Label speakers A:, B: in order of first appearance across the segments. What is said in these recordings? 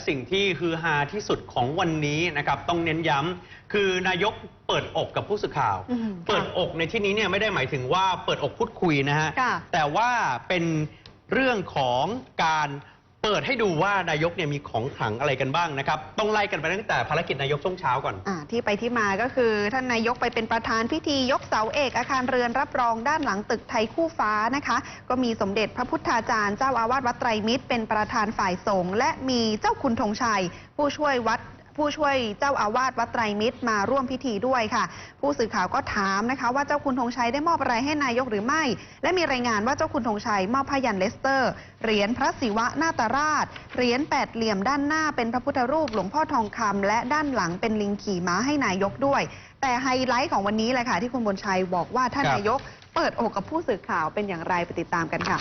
A: สิ่งที่ฮือฮาที่สุดของวันนี้นะครับต้องเน้นย้ำคือนายกเปิดอกกับผู้สื่อข่าวเปิดอกในที่นี้เนี่ยไม่ได้หมายถึงว่าเปิดอกพูดคุยนะฮะแต่ว่าเป็นเรื่องของการเปิดให้ดูว่านายกเนี่ยมีของขลังอะไรกันบ้างนะครับต้องไล่กันไปตั้งแต่ภารกิจนายกช่วงเช้าก่อน
B: ที่ไปที่มาก็คือท่านนายกไปเป็นประธานพิธียกเสาเอกอาคารเรือนรับรองด้านหลังตึกไทยคู่ฟ้านะคะก็มีสมเด็จพระพุทธาจารย์เจ้าอาวาสวัดไตรมิตรเป็นประธานฝ่ายสงฆ์และมีเจ้าคุณธงชัยผู้ช่วยเจ้าอาวาสวัดไตรมิตรมาร่วมพิธีด้วยค่ะผู้สื่อข่าวก็ถามนะคะว่าเจ้าคุณธงชัยได้มอบอะไรให้นายกหรือไม่และมีรายงานว่าเจ้าคุณธงชัยมอบพยัญชนะเลสเตอร์เหรียญพระศิวะนาตราชเหรียญแปดเหลี่ยมด้านหน้าเป็นพระพุทธรูปหลวงพ่อทองคำและด้านหลังเป็นลิงขี่ม้าให้นายกด้วยแต่ไฮไลท์ของวันนี้แหละค่ะที่คุณบุญชัยบอกว่าท่านนายกเปิดอกกับผู้สื่อข่าวเป็นอย่างไรไปติดตามกันค่ะ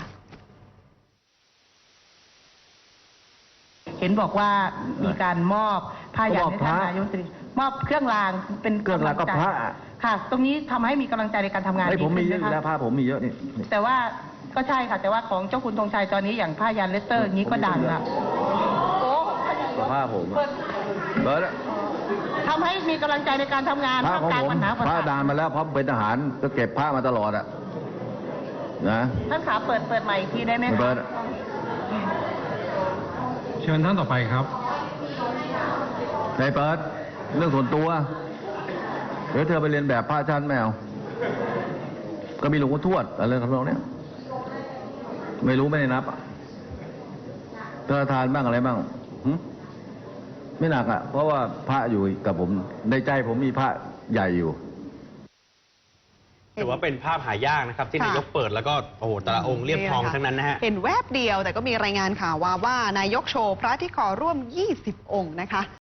C: เห็นบอกว่ามีการมอบผ้ายันให้ท่านนายกมอบเครื่องรางเป็น
D: เครื่องรางกับพระ
C: ค่ะ ตรงนี้ทำให้มีกำลังใจในการทำงาน
D: ผมมีเยอะแล้วผ้าผมมีเยอะนี่
C: แต่ว่าก็ใช่ค่ะแต่ว่าของเจ้าคุณธงชัยตอนนี้อย่างผ้ายันเลสเตอร์นี้ก็ดังละโอ้
D: ผ้าผมเบิร์ด
C: ทำให้มีกำลังใจในการทำงาน
D: ผ้าของผมผ้าดานมาแล้วเพราะเป็นทหารก็เก็บผ้ามาตลอดอะนะ
C: ท่านขาเปิดใหม่อีกทีได้ไหมคะ
E: เชิญท่านต่อไปครับ
D: ในเปิดเรื่องส่วนตัวเดี๋ยวเธอไปเรียนแบบพระชั้นแมวก็มีหลวงพ่อทวดอะไรทำนองเนี้ยไม่รู้ไม่ได้นับเธอทานบ้างอะไรบ้างไม่หนักอ่ะเพราะว่าพระอยู่กับผมในใจผมมีพระใหญ่อยู่
A: ถือว่าเป็นภาพหายากนะครับที่นายกเปิดแล้วก็โอ้โหแต่ละองค์เรียบทองทั้งนั้นนะฮะ
B: เห็นแวบเดียวแต่ก็มีรายงานข่าวว่านายกโชว์พระที่ขอร่วม20 องค์นะคะ